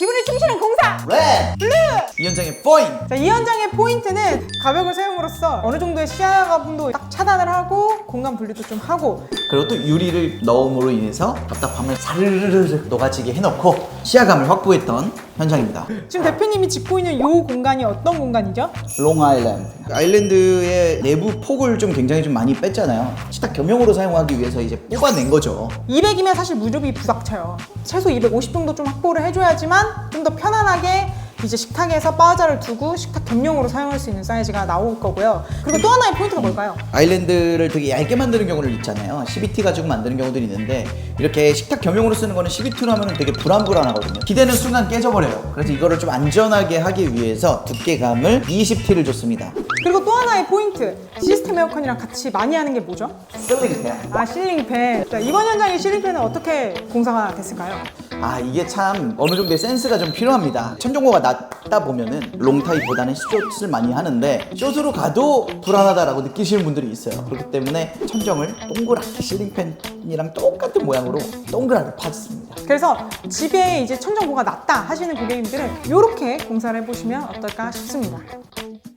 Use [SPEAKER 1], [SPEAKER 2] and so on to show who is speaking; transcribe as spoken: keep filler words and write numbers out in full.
[SPEAKER 1] 기분을 충실한 공사!
[SPEAKER 2] 레드!
[SPEAKER 1] 블루!
[SPEAKER 2] 이 현장의 포인트!
[SPEAKER 1] 자, 이 현장의 포인트는 가벽을 세움으로써 어느 정도의 시야 가분도 딱 차단을 하고 공간 분리도 좀 하고,
[SPEAKER 2] 그리고 또 유리를 넣음으로 인해서 답답함을 사르르르 녹아지게 해놓고 시야감을 확보했던 현장입니다.
[SPEAKER 1] 지금 대표님이 짚고 있는 이 공간이 어떤 공간이죠?
[SPEAKER 2] 롱아일랜드. 아일랜드의 내부 폭을 좀 굉장히 좀 많이 뺐잖아요. 식탁 겸용으로 사용하기 위해서 이제 뽑아낸 거죠.
[SPEAKER 1] 이백이면 사실 무릎이 부닥쳐요. 최소 이백오십 정도 좀 확보를 해줘야지만 좀 더 편안하게 이제 식탁에서 바자를 두고 식탁 겸용으로 사용할 수 있는 사이즈가 나올 거고요. 그리고 또 하나의 포인트가 뭘까요?
[SPEAKER 2] 아일랜드를 되게 얇게 만드는 경우를 있잖아요. 십이 티 가지고 만드는 경우들이 있는데 이렇게 식탁 겸용으로 쓰는 거는 십이 티로 하면 되게 불안불안하거든요. 기대는 순간 깨져버려요. 그래서 이거를 좀 안전하게 하기 위해서 두께감을 이십 티를 줬습니다.
[SPEAKER 1] 그리고 또 하나의 포인트, 시스템 에어컨이랑 같이 많이 하는 게 뭐죠?
[SPEAKER 2] 슬링팬.
[SPEAKER 1] 아, 실링팬. 자, 이번 현장의 실링팬은 어떻게 공사가 됐을까요?
[SPEAKER 2] 아, 이게 참 어느 정도의 센스가 좀 필요합니다. 천정고가 낮다 보면은 롱타입보다는 숏을 많이 하는데 숏으로 가도 불안하다라고 느끼시는 분들이 있어요. 그렇기 때문에 천정을 동그랗게 실링팬이랑 똑같은 모양으로 동그랗게 파졌습니다.
[SPEAKER 1] 그래서 집에 이제 천정고가 낮다 하시는 고객님들은 이렇게 공사를 해보시면 어떨까 싶습니다.